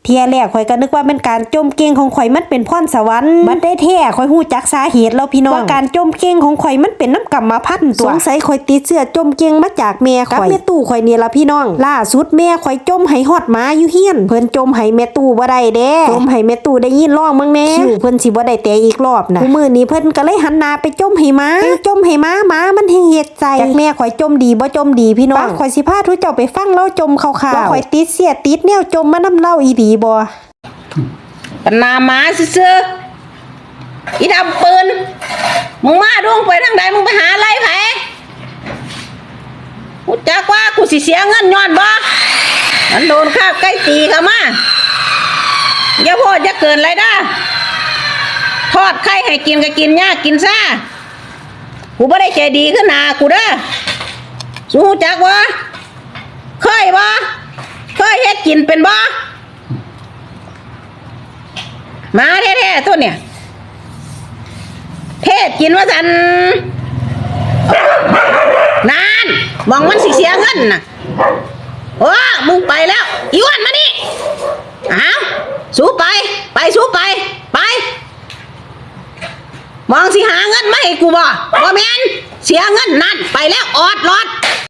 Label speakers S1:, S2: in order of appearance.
S1: ทียแรกข่อยก็นึกว่าเป็นการจมเก่งของข่อยมันเป็นพรสวรรค์บัดได้แท้ข่อยฮู้จักสาเหตุแล้วพี่น้องว่าการจมเก่งของข่อยมันเป็นน้ำกรรมพันธุ์ตัวสงสัยข่อยติดเชื้อจมเก่งมาจากแม่ข่อยกับแม่ตู่ข่อยนี่ล่ะพี่น้องล่าสุดแม่ข่อยจมให้ฮอดหมาอยู่เฮียนเพิ่นจมให้แม่ตู่บ่ได้เด้จมให้แม่ตู่ได้ยินร้องมึงแน่คิวเพิ่นสิบ่ได้แต่อีกรอบนะมื้อนี้เพิ่นก็เลยหันหน้าไปจมให้หมาหมามันเฮ็ดใจจากแม่ข่อยจมดีบ่จมดีพี่น้องข่อยสิพาทุกเจ้าไปฟังเล่าจมข่าวๆว่าข่อยติดเสียติดแนวจมมานำเล่าอีดีบ่
S2: ปนาหมาซื่ออีดำปืนมึงมาดวงไปทางใดมึงไปหาอะไรไผกูจักว่ากูสิเสียเงินย้อนบ่มันโดนข้าใกล้ตีเข้ามาอย่าพูดอย่าเกินไรด้าทอดไข่ให้กินก็กินยากกินซ่ากูไม่ได้ใจดีขึ้นหนากูเด้อสู้จักวะเคยบ่เคยเฮ็ดกินเป็นบ่มาแท้ๆตัวเนี่ยเทศกินว่าสันนานมองมันสิเสียเงินน่ะโอ้มึงไปแล้วอีวันมานี่อ้าวสู้ไปสู้ไปมองสิหาเงินมาให้กูบ่แม่นเสียเงินนั่นไปแล้วออดรอด